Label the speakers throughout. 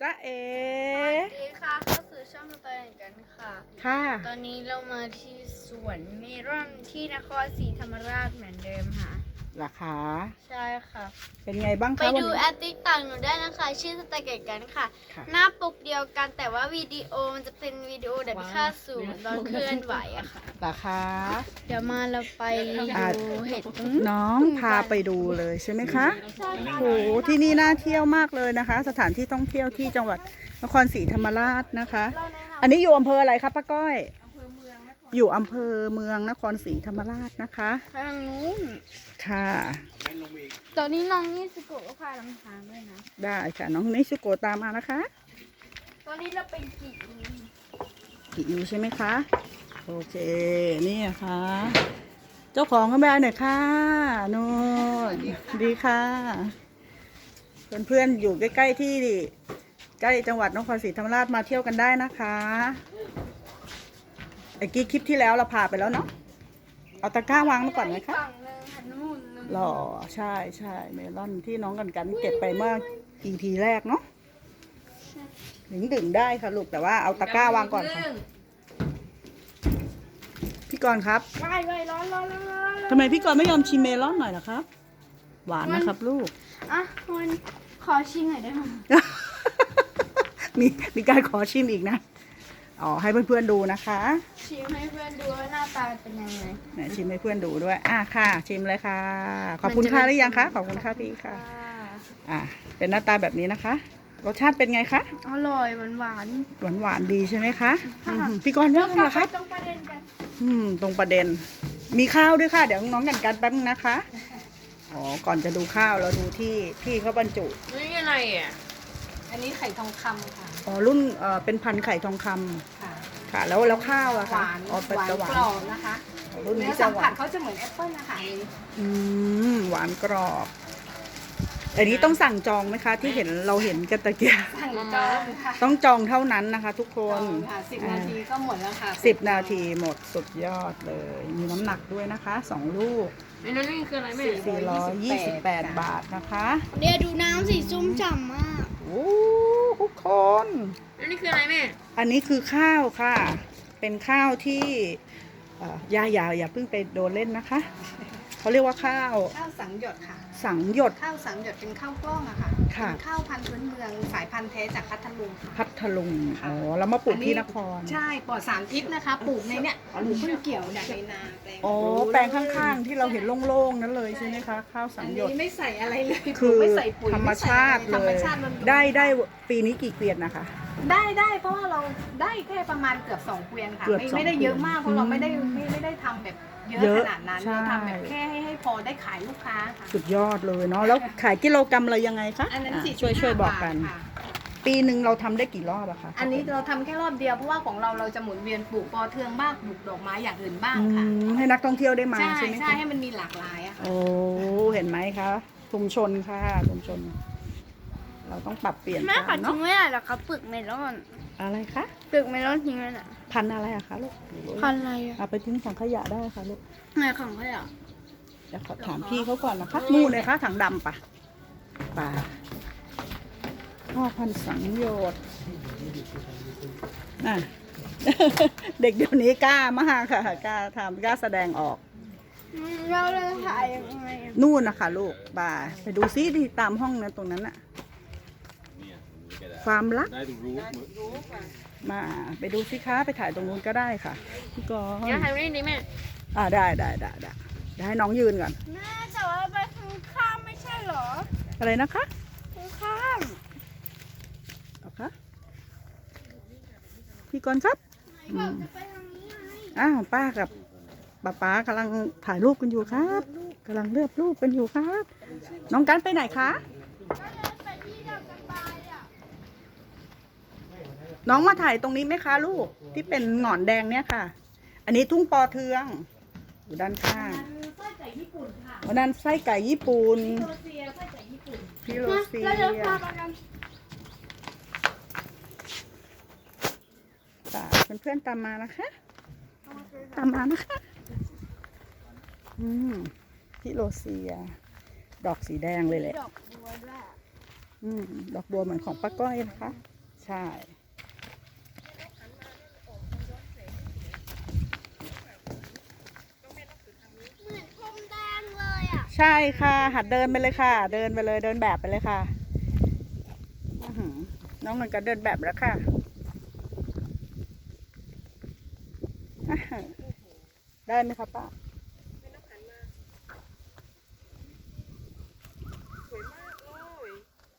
Speaker 1: จ้าเอ๋
Speaker 2: สวัสดีค่ะเข้าสู่ช่องตัวเองกันค่ะ
Speaker 1: ค่ะ
Speaker 2: ตอนนี้เรามาที่สวนเมลอนที่นครศรีธรรมราชเหมือนเดิมค่ะ
Speaker 1: ราคา
Speaker 2: ใช่ค่ะ
Speaker 1: เป็นไงบ้าง
Speaker 2: ไป
Speaker 1: คะวัน
Speaker 2: ดู
Speaker 1: นี้
Speaker 2: แอดติ๊กต่างหนูได้นะคะ ชื่อสแตเกตกันค่ะ
Speaker 1: ค่ะ
Speaker 2: หน้าปกเดียวกันแต่ว่าวิดีโอมันจะเป็นวิดีโอแบบค่าสูงตอนเคลื่อนไหวอะค่ะ
Speaker 1: ราคา
Speaker 2: เดี๋ยวมาเราไปดูเห็ด
Speaker 1: น้องพาไปดูเลยใช่ไหมคะ
Speaker 2: ใช่ค่ะ
Speaker 1: โหที่นี่น่าเที่ยวมากเลยนะคะ สถานที่ท่องเที่ยวที่จังหวัดนครศรีธรรมราชนะคะ อันนี้อยู่อำเภออะไรคะป้าก้อย อยู่อำเภอเมืองนครศรีธรรมราชนะคะ
Speaker 2: ทางนู้น
Speaker 1: ค่ะ
Speaker 2: ตอนนี้น้องนี่สกุลก็พาลำทางด้วยนะ
Speaker 1: ได้ค่ะน้องนิสุโกะตามมานะคะ
Speaker 2: ตอนนี้เราเป็นกี่
Speaker 1: กี่อยู่ใช่ไหมคะ โอเค นี่นะคะ เจ้าของก็แม่หน่อยค่ะนู่นดีค่ะ เพื่อนๆอยู่ใกล้ๆที่ใกล้จังหวัดนครศรีธรรมราชมาเที่ยวกันได้นะคะไอ้กี้คลิปที่แล้วเราพาไปแล้วเนาะเอาตะกร้าวางมาก่อนไหมคะ
Speaker 2: ฝั่งหนึ่งค่ะนู่น
Speaker 1: หล่อใช่ใช่เมลอนที่น้องกันเก็บไปเมื่อ EP แรกเนาะดึงได้ค่ะลูกแต่ว่าเอาตะกร้าวางก่อนค่ะพี่กรณ์ครับ
Speaker 2: ว้ายร้อน
Speaker 1: ทำไมพี่กรณ์ไม่ยอมชิมเมลอนหน่อยล่ะครับ หวานนะครับลูก
Speaker 2: อ่ะคุณขอชิมหน่อยได้ไหม
Speaker 1: มีการขอชิมอีกนะอ๋อให้เพื่อนๆดูนะคะ
Speaker 2: ชิมให้เพื่อนดูว่าหน้าตาเป็นยังไง
Speaker 1: ไหนชิมให้เพื่อนดูด้วยค่ะ ชิมเลยค่ะ ขอบคุณค่ะหรือยังคะขอบคุณค่ะพี่ค่ะเป็นหน้าตาแบบนี้นะคะรสชาติเป็นไงคะ
Speaker 2: อร่อยหวาน
Speaker 1: หวานดีใช่ไหมคะพี่กรณ์เรื่องอะไรครับ
Speaker 2: ต้องประเด็นกัน
Speaker 1: ตรงประเด็น มีข้าวด้วยค่ะ เดี๋ยวน้องกันแป๊บนึงนะคะ อ๋อ ก่อนจะดูข้าวเราดูที่พี่เขาบรรจุ
Speaker 2: นี่อะไรอ่ะ
Speaker 3: อันนี้ไข่ทองคำค่ะ
Speaker 1: อ๋อ รุ่นเป็นพันธุ์ไข่ทองคำ
Speaker 3: ค่ะ
Speaker 1: ค่ะ แล้วข้าวอะ
Speaker 3: ห
Speaker 1: ค่ะ
Speaker 3: วาน
Speaker 1: อ๋อเป็น
Speaker 3: หวาน
Speaker 1: จะหวาก น
Speaker 3: รอบนะคะ
Speaker 1: รุ่น
Speaker 3: เนื้
Speaker 1: นี้
Speaker 3: อ
Speaker 1: จะ
Speaker 3: สัม
Speaker 1: หวา
Speaker 3: ผัส
Speaker 1: น
Speaker 3: เขาจะเหมือนแอปเปิ้ลนะคะ
Speaker 1: หวานกรอบ อันนี้ต้องสั่งจองไหมคะ ที่เราเห็นกันตะเกียบ
Speaker 3: สั่งจองค่ะ
Speaker 1: ต้องจองเท่านั้นนะคะ ทุกค
Speaker 3: จอน งค่ะ10 นาทีก็หมดแล้วค่ะ
Speaker 1: 10 นาทีหมดสุดยอดเลย มีน้ำหนักด้วยนะคะ2 ลูก
Speaker 2: อันนั้นนี่คืออะไรแม่
Speaker 1: 428 บาทนะคะ
Speaker 2: เดี๋ยวดูน้ำสีซุ่มฉ่ำมาก
Speaker 1: โอ้ทุกคน
Speaker 2: อันนี้คืออะไรแม่
Speaker 1: อันนี้คือข้าวค่ะ เป็นข้าวที่อย่าเพิ่งไปโดนเล่นนะคะ เขาเรียกว่าข้าว
Speaker 3: ข้าวสังหยดค่ะ
Speaker 1: สังหยด
Speaker 3: ข้าวสังหยดเป็นข้าวกล้องอะค่ะ
Speaker 1: ค่ะ
Speaker 3: เป็นข้าวพันธุ์พื้นเมืองสายพันธุ์แท้จากพัทลุงค่ะ
Speaker 1: พัทลุง
Speaker 3: ค่ะ
Speaker 1: อ๋อ แล้วมาปลูกที่นคร
Speaker 3: ใช่ปลอดสารพิษนะคะ ปลูกในเนี่ยปลูกเพิ่งเกี่ยวจากในนาแปลง
Speaker 1: อ๋อ แปลงข้างๆ ที่เราเห็นโล่งๆ นั้นเลยใช่ไหมคะ ข้าวสั
Speaker 3: อั
Speaker 1: ง
Speaker 3: น
Speaker 1: หยด
Speaker 3: นี้ไม่ใส่อะไรเลย
Speaker 1: คือ
Speaker 3: ไม่ใส่ปุ๋ย
Speaker 1: ธรรมชาติ
Speaker 3: ธ
Speaker 1: เล
Speaker 3: รรม
Speaker 1: ย
Speaker 3: ชาติล้วนๆ
Speaker 1: ได้ปีนี้กี่เกวียนนะคะ
Speaker 3: ได้เพราะว่าเราได้แค่ประมาณเกือบ2 เกวียนค่ะ
Speaker 1: เกือบ
Speaker 3: ไม่ได้
Speaker 1: 2
Speaker 3: เยอะมากเพราะเราไม่ได้
Speaker 1: อืม
Speaker 3: ไม่ได้ทำแบบเย
Speaker 1: เย
Speaker 3: อะ
Speaker 1: อะ
Speaker 3: ขนาดนั้น
Speaker 1: ใช่
Speaker 3: เราทำแบบแค่ให้พอได้ขายลูกค้าค่ะ
Speaker 1: สุดยอดเลยเนาะ แล้วขายกิโลกรัมอะไรยังไงคะ
Speaker 3: อันนั้น
Speaker 1: อ่ะ
Speaker 3: สี่
Speaker 1: ช่วยบอกกัน
Speaker 3: ค่ะ
Speaker 1: ปีหนึ่งเราทำได้กี่รอบอะคะ
Speaker 3: อันนี้เราทำแค่รอบเดียวเพราะว่าของเราจะหมุนเวียนปลูกปอเทืองบ้างปลูกดอกไม้อย่างอื่นบ้างค่ะ
Speaker 1: ให้นักท่องเที่ยวได้มา
Speaker 3: ใช่
Speaker 1: ใช่ไหม
Speaker 3: ใช่
Speaker 1: คะ
Speaker 3: ให้มันมีหลากหลายอะค่ะ
Speaker 1: โอ้เห็นไหมคะชุมชนค่ะชุมชน เราต้องปรับเปลี่ยน
Speaker 2: แม่ขอ
Speaker 1: ตาม
Speaker 2: ทิ้
Speaker 1: เนาะ
Speaker 2: งไว้หน่อยเหรอครับปึกเมลอน
Speaker 1: อะไรคะ
Speaker 2: ปึกเมลอนทิ้งไว้หน่อย
Speaker 1: พันธุ์อะไรอะคะลูก
Speaker 2: พันอะไรอ่ะ
Speaker 1: เอาไปทิ้งถังขยะได้ค่ะลูก
Speaker 2: ไหนของเขาอ่ะ
Speaker 1: เดี๋ยวขอถามพี่เขาก่อนนะคะนู่นเลยคะถังดำป่าพ่อพันธุ์สังโยชน์น่ะ เด็กเดี๋ยวนี้กล้ามากค่ะกล้าทำกล้าแสดงออก
Speaker 2: เราเลยถ่ายยังไง
Speaker 1: นู่นนะคะลูกบ่าไปดูซิที่ตามห้องนั้นตรงนั้นอะความรัก
Speaker 4: ได้ดูรู้
Speaker 1: มาไปดูสิคะไปถ่ายตรงนู้นก็ได้ค่ะพี่กร
Speaker 2: เดี๋ยว
Speaker 1: ณ์
Speaker 2: ถ่ายไว้นี่แม่
Speaker 1: ได้เดี๋ยวให้น้องยืนก่อน
Speaker 2: แม่แต่ว่าไปข้างไม่ใช่เหรอ
Speaker 1: อะไรนะคะ
Speaker 2: ข้าง
Speaker 1: เอาคะพี่กรณ์ครับ
Speaker 2: บอกจะไปทางนี้ไง
Speaker 1: อ้าวป้ากับป๊ากำลังถ่ายรูปกันอยู่ครับกำลังเลือกรูปกันอยู่ครับ น้องกันไปไหนคะน้องมาถ่ายตรงนี้ไหมคะลูกที่เป็นหงอนแดงเนี่ยค่ะ อันนี้ทุ่งปอเทืองอยู่ด้านข้าง
Speaker 3: ไส้ไก่ญี่ปุ่นค่ะ
Speaker 1: วันนั้นไส้ไก่ญี่ปุ่น
Speaker 3: โรเซียไส้ไก่ญี่ปุ่น
Speaker 1: พี่โรเซีย
Speaker 2: แล้วเดี๋ยวพาไปกัน
Speaker 1: เพื่อนๆตามมานะคะ ตามมานะคะพี่โรเซีย ดอกสีแดงเลยแหละ
Speaker 2: ดอกบัวด้วย
Speaker 1: ดอกบัวเหมือนของป้าก้อยนะคะ ใช่
Speaker 2: เหมือนพรมแดงเลยอ่ะ
Speaker 1: ใช่ค่ะ หัดเดินไปเลยค่ะ เดินไปเลยเดินแบบไปเลยค่ะอื้อหือน้องเงินก็เดินแบบแล้วค่ะอ่ะได้ไหมคะป้า
Speaker 4: สวยมากเลย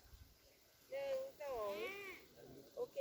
Speaker 4: 1 2โอเค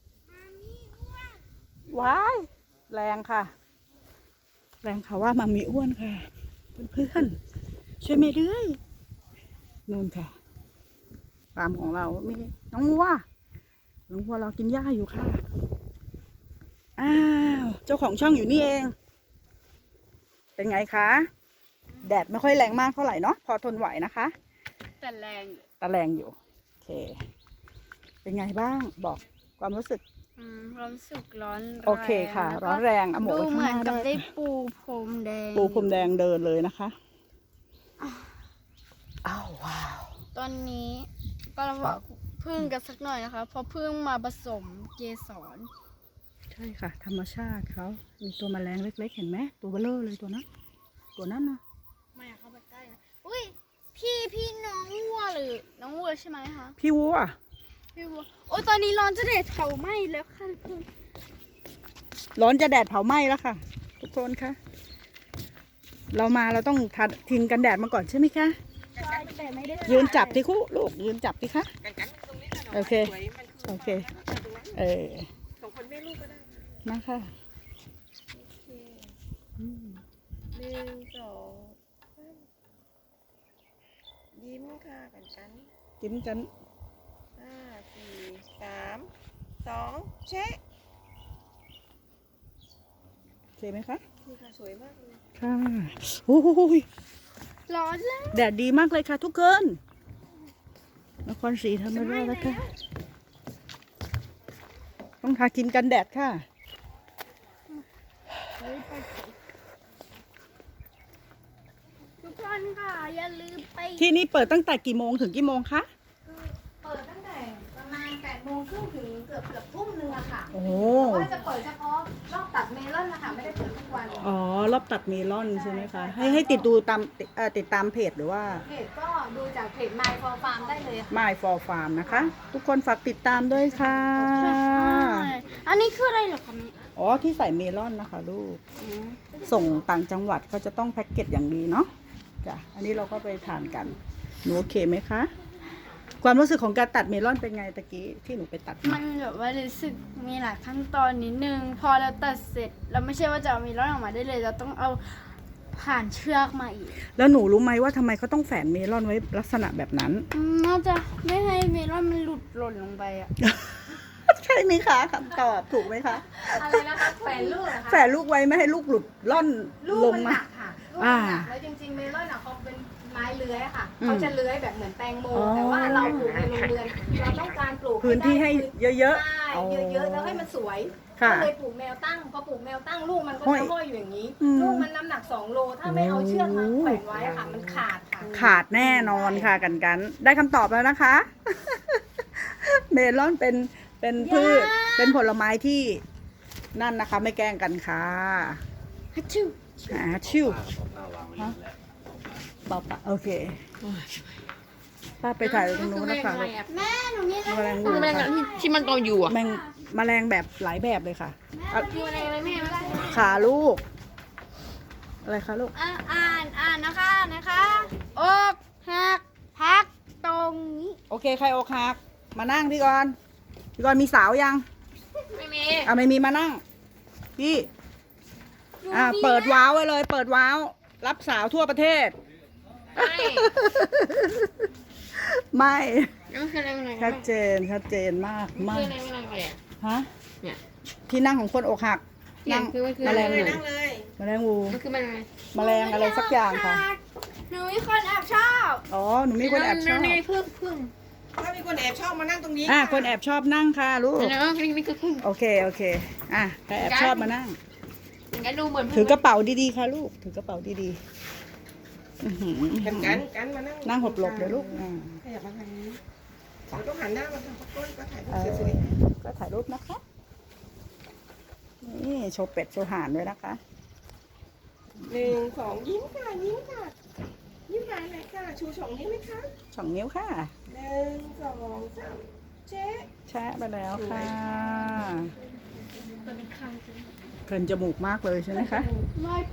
Speaker 1: ว้ายแรงค่ะ แรงค่ะว่ามามีอ้วนค่ะ เพื่อนๆช่วยไม่เรื่อยนู่นค่ะฟาร์มของเรามีน้องวัวเรากินหญ้าอยู่ค่ะอ้าวเจ้าของช่องอยู่นี่เอง เป็นไงคะแดดไม่ค่อยแรงมากเท่าไหร่เนาะพอทนไหวนะคะ
Speaker 2: แต่แรงอยู่
Speaker 1: แต่แรงอยู่โอเค เป็นไงบ้างบอกความรู้สึก
Speaker 2: ความรู้สึกร้อนแรง
Speaker 1: โอเคค่ะ
Speaker 2: แล้วก็
Speaker 1: ร้อนแรงเอาหม
Speaker 2: ดู
Speaker 1: ไว้
Speaker 2: เห
Speaker 1: ข้าง
Speaker 2: มื
Speaker 1: ห
Speaker 2: อน
Speaker 1: น้า
Speaker 2: กับ
Speaker 1: ได้
Speaker 2: ได้ปูพรมแดง
Speaker 1: ปูพรมแดงเดินเลยนะคะอ้าวว้าว
Speaker 2: ตอนนี้ก็เราบอกพึ่งกันสักหน่อยนะคะเพราะพึ่งมาผสมเกสร
Speaker 1: ใช่ค่ะ ธรรมชาติเขามีตัวแมลงเล็กๆเห็นไหมตัวเบลอเลยตัวนั้นนะ
Speaker 2: ไม่อยากเข้าไปใกล้นะอุ้ยพี่น้องวัวหรือน้องวัวใช่ไหมคะ
Speaker 1: พี่วัว
Speaker 2: พี่วัวโอ้ยตอนนี้ร้อนจะเด็ดเผาไหม้แล้วค่ะพึ่ง
Speaker 1: ร้อนจะแดดเผาไหม้แล้วค่ะ ทุกคนคะเรามาเราต้องทาทิมกันแดดมาก่อนใช่ไหมคะ
Speaker 2: แต่ไม่ได้
Speaker 1: ยืนจับที่คู่ลูกยืนจับที่คะ
Speaker 4: กันตรงนี้ค่ะ
Speaker 1: โอเค
Speaker 4: สวยมันคือ
Speaker 1: โอเค
Speaker 4: ตรงนั้น
Speaker 1: เออ
Speaker 4: 2 คนแม่ลูกก็ได้
Speaker 1: มาค่ะ
Speaker 4: 1 2 ยิ้มค่ะกัน
Speaker 1: จิ้มกัน
Speaker 4: 5 4 3 2เช็ค
Speaker 1: โอเคไหมคะ
Speaker 4: นี่ค่ะสวยมากเลย
Speaker 1: ค่ะโอ้ย
Speaker 2: ร้อนแล้ว
Speaker 1: แดดดีมากเลยค่ะ ทุกคนนครศรีธรรมราชแล้วค่ะต้องทากินกันแดดค่ะ
Speaker 2: ทุกคนค่ะอย่าลืมไป
Speaker 1: ที่นี่เปิดตั้งแต่กี่โมงถึงกี่โมงคะ
Speaker 3: เปิดตั้งแต่ประมาณ8 โมงครึ่งถึงเกือบทุ่มนึงอะค่ะ
Speaker 1: โอ้
Speaker 3: แต่ว่าจะเปิดเฉพาะรอบตัดเมลอนนะคะไม่ได้เปิดทุกวัน
Speaker 1: อ๋อรอบตัดเมลอนใช่ไหมคะ ให้ติดดูตามติดตามเพจหรือว่า
Speaker 3: เพจก็ดูจากเพจ My for Farm ได้เลยค่ะ
Speaker 1: My for Farm นะคะ ทุกคนฝากติดตามด้วยค่ะ
Speaker 2: อันนี้คืออะไรเหรอคะแม่
Speaker 1: อ๋อที่ใส่เมลอนนะคะลูก ส่งต่างจังหวัดเขาจะต้องแพ็กเกจอย่างดีเนาะจ้ะอันนี้เราก็ไปทานกันหนูโอเคไหมคะ ความรู้สึกของการตัดเมลอนเป็นไงตะกี้ที่หนูไปตัด
Speaker 2: มันแบบว่ารู้สึกมีหลายขั้นตอนนิดนึง พอเราตัดเสร็จ เราไม่ใช่ว่าจะเอามีร้อนออกมาได้เลย เราต้องเอาผ่านเชือกมาอีก
Speaker 1: แล้วหนูรู้ไหมว่าทำไมเขาต้องแฝนเมลอนไว้ลักษณะแบบนั้น
Speaker 2: น่าจะไม่ให้เมลอนมันหลุดหล่นลงไปอ่ะ
Speaker 1: ใช่ไหมคะคำตอบถูกไหมคะ
Speaker 3: อะไรนะคะแขวนลูกนะคะ
Speaker 1: แฝนลูกไว้ไม่ให้ลูกหลุดล่อน
Speaker 3: ลูก
Speaker 1: ลง
Speaker 3: มันห
Speaker 1: มา
Speaker 3: นักค่ะลูกมันหนักแล้วจริงๆเมลอนอะเขาเป็นไม้เลื้อยอะค่ะ
Speaker 1: อืม
Speaker 3: เขาจะเลื้อยแบบเหมือนแตงโม
Speaker 1: อ๋อ
Speaker 3: แต่ว่าเราปลูกในโรงเรือนเราต้องการปลูก
Speaker 1: พื้นที่ให้เยอะ
Speaker 3: ใช่
Speaker 1: ๆอ๋อ
Speaker 3: เยอะๆแล้วให้มันสวย
Speaker 1: ค่ะ
Speaker 3: ก็เลยปลูกแมวตั้งพอปลูกแมวตั้งลูกมันก็
Speaker 1: ห้อย
Speaker 3: จะห้อยอยู่อย่างนี้
Speaker 1: อืม
Speaker 3: ลูกมันน้ำหนัก2 โลถ้าไม่เอาเชือกมาแขวนไว้อะค่ะ มันขาดค่ะ
Speaker 1: ขาดแน่นอนค่ะกันได้คำตอบแล้วนะคะ เมลอนเป็นพืชเป็นผลไม้ที่นั่นนะคะ ไม่แกล้งกันค่ะ
Speaker 2: ฮัชชิว
Speaker 1: ชิวเปล่าโอเคป้าไปถ่ายตรงนู้นนะคะ
Speaker 2: แม่หนูมีอะไร
Speaker 1: แมลงวัน
Speaker 4: แมลง
Speaker 1: ค่ะ
Speaker 4: ที่มันโตอยู่อ่ะ
Speaker 1: แมลงแบบหลายแบบเลยค่ะอ่ะ
Speaker 2: มีอะไรแม่ไม่ได้
Speaker 1: ขาลูก อะไรคะลูก
Speaker 2: อ่านนะคะอกหักพักตรงนี้
Speaker 1: โอเคใครอกหักมานั่งพี่กรณ์มีสาวยัง
Speaker 4: ไม่มี
Speaker 1: ไม่มีมานั่ง พี่ เปิดว้าวไว้เลย เปิดว้าว รับสาวทั่วประเทศ
Speaker 4: ไม่
Speaker 1: ไม่
Speaker 4: นั่นคืออะไร
Speaker 1: ชัดเจนมากมาก
Speaker 4: คืออะไรอะไรอ่ะ
Speaker 1: ฮะ
Speaker 4: เนี่ย
Speaker 1: ที่นั่งของคนอกหัก
Speaker 4: เนี่ยคือมันคือ
Speaker 1: แมลง
Speaker 4: อะไร
Speaker 1: วู
Speaker 4: นั่งเลย
Speaker 1: แมลงวู
Speaker 4: มันคือมันอะไร
Speaker 1: แมลงอะไรสักอย่างค่ะ
Speaker 2: หนูมีคนแอบชอบ
Speaker 1: อ๋อหนูมีคนแอบชอบ
Speaker 4: นี่พึ่ง
Speaker 5: ถ้ามีคนแอบชอบมานั่งตรงนี้
Speaker 1: คนแอบชอบนั่งค่ะลูก
Speaker 4: แล้วนี่คือพึ่ง
Speaker 1: โอเคใครแอบชอบมานั่ง
Speaker 4: อย่างนั้นดูเหมือน
Speaker 1: ถือกระเป๋าดีๆค่ะลูก ถือกระเป๋าดีๆอื้อหือ
Speaker 5: กันมานั่ง
Speaker 1: นั่งหลบๆเดี๋ยวลูก
Speaker 5: ขยับมาทางนี้เราต้องหันหน้ามาทางก้นก็ถ่ายรูป
Speaker 1: เออ
Speaker 5: สวย
Speaker 1: ก็ถ่ายรูปนะคะ นี่โชว์เป็ดโชว์ห่านด้วยนะคะ
Speaker 5: ๆ1 2ยิ้มค่ะยิ้มค่ะยิ้มหวานหน่อยค่ะชู2นิ้วไหมคะ
Speaker 1: 2 นิ้วค่ะ
Speaker 5: 1 2 3เจ๊
Speaker 1: แชะไปแล้วค่ะเพลินจมูกมากเลยใช่ไหมคะ
Speaker 2: ไม่ผม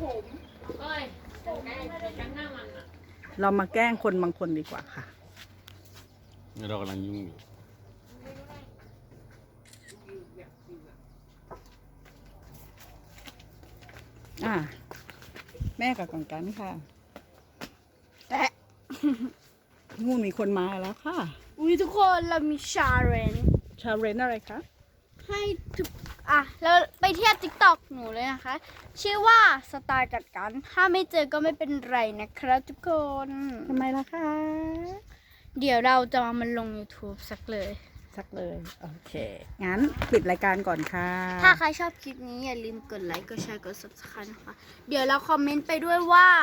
Speaker 1: เรามาแกล้งคนบางคนดีกว่าค่ะ
Speaker 6: เรากำลังยุ่งอยู่
Speaker 1: แม่กับกังกันค่ะแตะ งูมีคนมาแล้วค่ะ
Speaker 2: อุ้ยทุกคนเรามีชาเลนจ์
Speaker 1: ชาเรนอะไรคะ
Speaker 2: ให้ทุกเราไปเที่ยวติ๊กต็อกหนูเลยนะคะ ชื่อว่าสไตล์กัดกัน ถ้าไม่เจอก็ไม่เป็นไรนะครับทุกคน
Speaker 1: ทำไมล่ะคะ
Speaker 2: เดี๋ยวเราจะเอามันลง YouTube สักเลย
Speaker 1: สักเลย โอเค งั้นปิดรายการก่อนค่ะ
Speaker 2: ถ้าใครชอบคลิปนี้อย่าลืมกดไลค์ กดแชร์ กด subscribe นะคะ เดี๋ยวเราคอมเมนต์ไปด้วย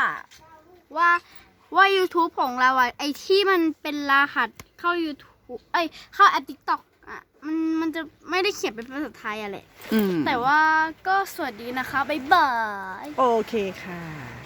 Speaker 2: ว่า YouTube ของเราไอที่มันเป็นรหัสเข้า YouTube เข้าแอป TikTok มันจะไม่ได้เขียนเป็นภาษาไทยอะแหละ
Speaker 1: อืม
Speaker 2: แต่ว่าก็สวัสดีนะคะ บ๊ายบาย
Speaker 1: โอเคค่ะ